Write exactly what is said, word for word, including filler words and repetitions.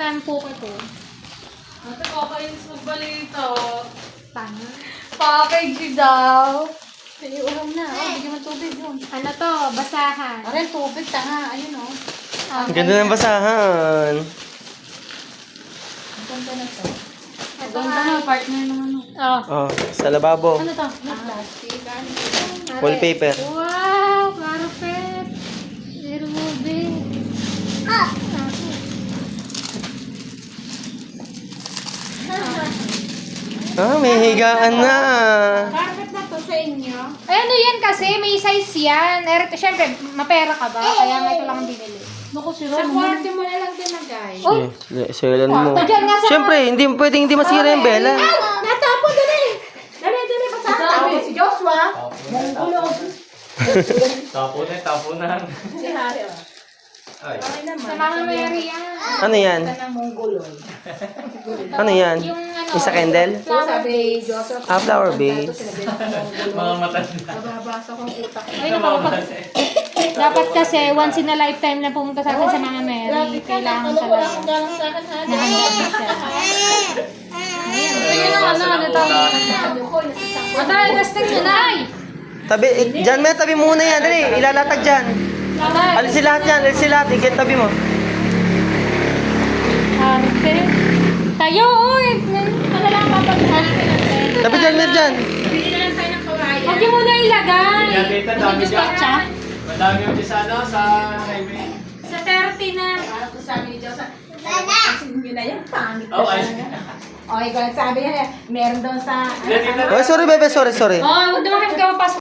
tempo ko to. Ate, kakainis magbalita. Paano? Package daw. Ay, ulam na. Oh, bigyan mo tubig yun. Ano to? Basahan. Aray, tubig, tanga. Ayun, oh. Ah, Ang ganda ng basahan. Ang ganda na to. Ito Ang nga. ganda na, partner ng ano. Oh. Oh, sa lababo. Ano to? Na plastic, ano. Wallpaper. Wow! Perfect! I-remove it. Ah! Ah, may higaan na. Perfect na to sa inyo. Ay, ano yan kasi? May size yan. Eh, siyempre, mapera ka ba? Kaya nga ito lang ang binili. Naku, si Ron. Sa kwarto mo na lang tinagay. Oh! Selan mo. Ito dyan nga sa... Siyempre, hindi pwedeng hindi masira yung bela. Natapo, dali! Dali, dali, basahan tabi. Si Joshua. Monggulo. Tapo na, tapo na. Si Harry, oh. Ay. Okay naman. Sa Mama Mary yan. Ano yan? Ito ng Monggulo. Ano yan? Yung ano... Isa candle? So, sabi Joseph. Ah, flower base. Mga matanda. Nababasa kong utak. Ay, naku, pag... Dapat kasi once in a lifetime na pumunta sa atin sa Mama Mary. Kailangan Wala talaga. kang galang sa akin, Harry. Nahanda na siya. Tingnan naman ano, ano tawag. Atay, testing nyo na! Ay! Tabi, eh, dyan may tabi muna yan. Dali, ilalatag dyan. Alisin lahat yan, alisin lahat. Igit tabi mo. Perfect. Tayo, uy! Ano lang papaghan? Tabi dyan, mer dyan. Bili na lang tayo ng kawayan. Huwag niyo muna ilagay. Yan, tita, dami Gusto dyan. siya? Madami yung sa ano, sa highway. Sa thirty na. Parang kung sabi ni Joseph, kasi yun na yan, pangit ka Oh, ay. talaga. O, ikaw, sabi niya, meron daw sa... Yan, tita. Oh, sorry, bebe, sorry, sorry. Oh, huwag naman kami kapapasok.